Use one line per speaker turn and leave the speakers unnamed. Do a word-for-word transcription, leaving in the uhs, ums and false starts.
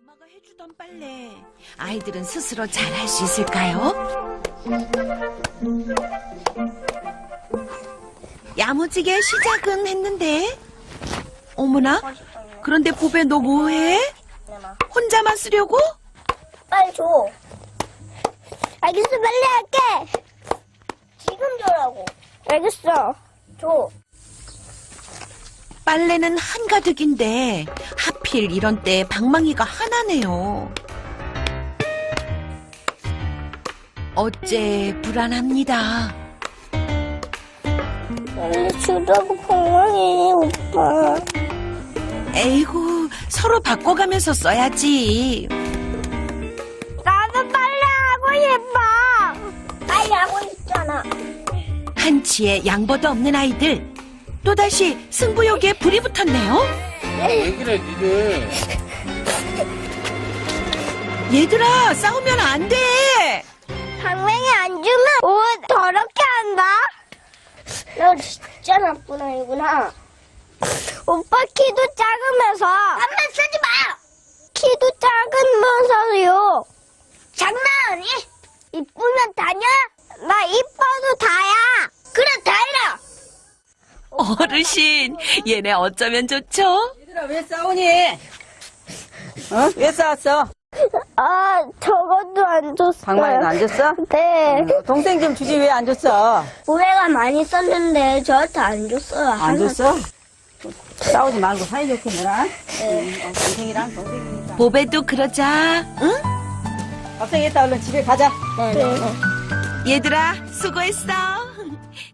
엄마가 해주던 빨래, 아이들은 스스로 잘할 수 있을까요? 야무지게 시작은 했는데, 어머나? 그런데 보배 너 뭐해? 혼자만 쓰려고?
빨리 줘. 알겠어, 빨리 할게. 지금 줘라고. 알겠어. 줘.
빨래는 한가득인데 하필 이런 때 방망이가 하나네요. 어째 불안합니다.
빨리 주라고, 방망이, 오빠.
에이구, 서로 바꿔가면서 써야지.
나도 빨리 하고 싶어. 빨리 하고 싶잖아.
한치의 양보도 없는 아이들. 또다시 승부욕에 불이 붙었네요.
왜 그래, 니들?
얘들아, 싸우면 안 돼.
방망이 안 주면 옷 더럽게 한다. 너 진짜 나쁜 아이구나. 오빠 키도 작으면서 한번 쓰지 마. 키도 작으면서요. 장난하니? 이쁘면 다냐? 나 이뻐도 다야. 그래, 다이라.
어르신, 얘네 어쩌면 좋죠?
얘들아, 왜 싸우니? 어? 왜 싸웠어?
아, 저것도 안 줬어요.
방망이도 안 줬어?
네.
어, 동생 좀 주지 왜 안 줬어?
후회가 많이 썼는데 저한테 안 줬어요.
안 줬어? 싸우지 말고 사이좋게 놀아. 네. 어, 동생이랑 동생이니까.
보배도 그러자, 응?
밥상했다 얼른 집에 가자.
네.
얘들아, 수고했어.